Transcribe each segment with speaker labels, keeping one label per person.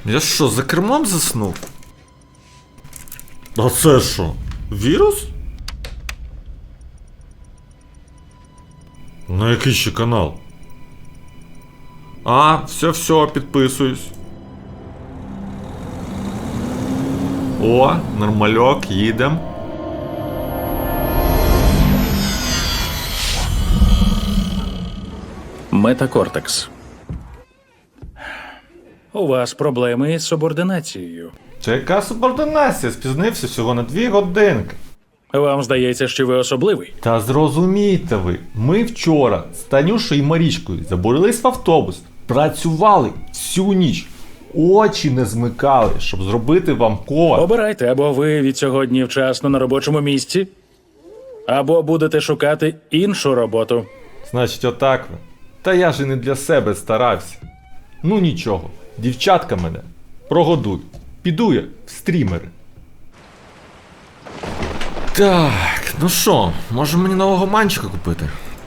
Speaker 1: Я що, за кермом заснув? А це що? Вірус? На який ще канал? А, все, підписуюсь. О, нормальок, їдем.
Speaker 2: Метакортекс. У вас проблеми із субординацією.
Speaker 1: Це яка субординація? Спізнився всього на 2 годинки.
Speaker 2: Вам здається, що ви особливий?
Speaker 1: Та зрозумійте ви, ми вчора з Танюшою і Марічкою забурились в автобус, працювали всю ніч, очі не змикали, щоб зробити вам код.
Speaker 2: Обирайте, або ви від сьогодні вчасно на робочому місці, або будете шукати іншу роботу.
Speaker 1: Значить, отак ви. Та я ж і не для себе старався. Ну нічого, дівчатка мене прогодують. Піду я в стрімери. Так, ну що, може мені нового манчика купити?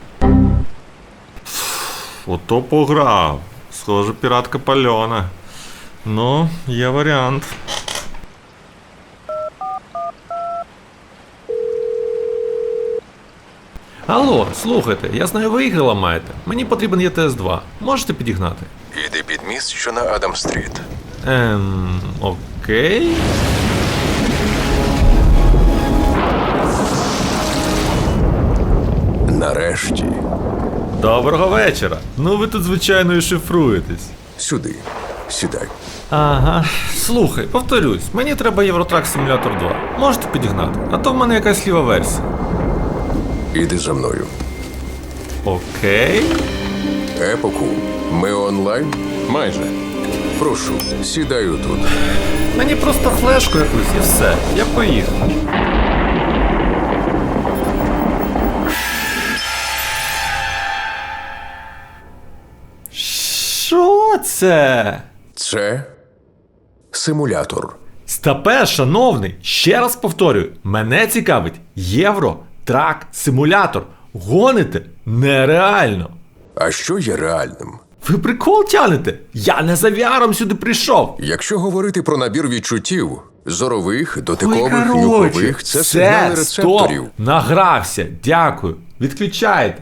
Speaker 1: Ото пограв. Схоже, піратка пальона. Ну, є варіант. Алло, слухайте, я знаю, ви ігри ламаєте. Мені потрібен ЄТС-2. Можете підігнати?
Speaker 3: Іди під міст, що на Адам-стріт.
Speaker 1: Окей.
Speaker 3: Нарешті.
Speaker 1: Доброго вечора. Ну ви тут, звичайно, і шифруєтесь.
Speaker 3: Сюди. Сідай.
Speaker 1: Ага. Слухай, повторюсь, мені треба Євротрак Симулятор 2. Можете підігнати? А то в мене якась ліва версія.
Speaker 3: Іди за мною.
Speaker 1: Окей.
Speaker 3: Епоку. Ми онлайн? Майже. Прошу, сідаю тут.
Speaker 1: Мені просто флешку якусь і все. Я поїхав. Що це?
Speaker 3: Це симулятор.
Speaker 1: Стапе, шановний, ще раз повторюю, мене цікавить Євротрак Симулятор. Гоните нереально.
Speaker 3: А що є реальним?
Speaker 1: Ви прикол тянете? Я не за VR сюди прийшов.
Speaker 3: Якщо говорити про набір відчуттів, зорових, дотикових,
Speaker 1: Ой,
Speaker 3: нюхових, це сигнали рецепторів.
Speaker 1: Стоп, награвся, дякую. Відключайте.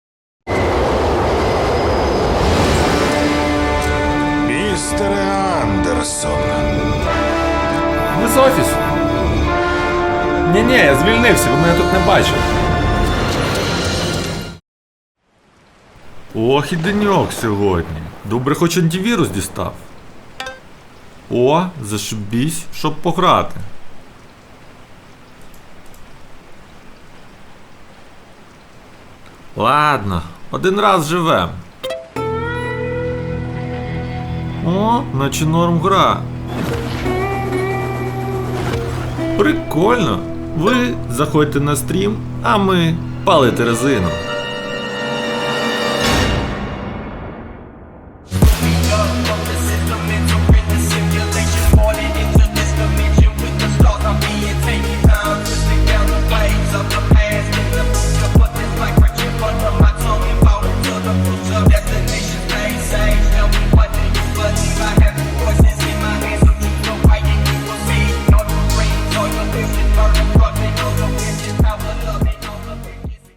Speaker 4: Містере Андерсон.
Speaker 1: Ви з офісу? Ні, я звільнився, ви мене тут не бачили. Ох і деньок сьогодні. Добре, хоч антивірус дістав. О, зашибісь, щоб пограти. Ладно, один раз живем. О, наче норм гра. Прикольно. Ви заходьте на стрім, а ми палите резину.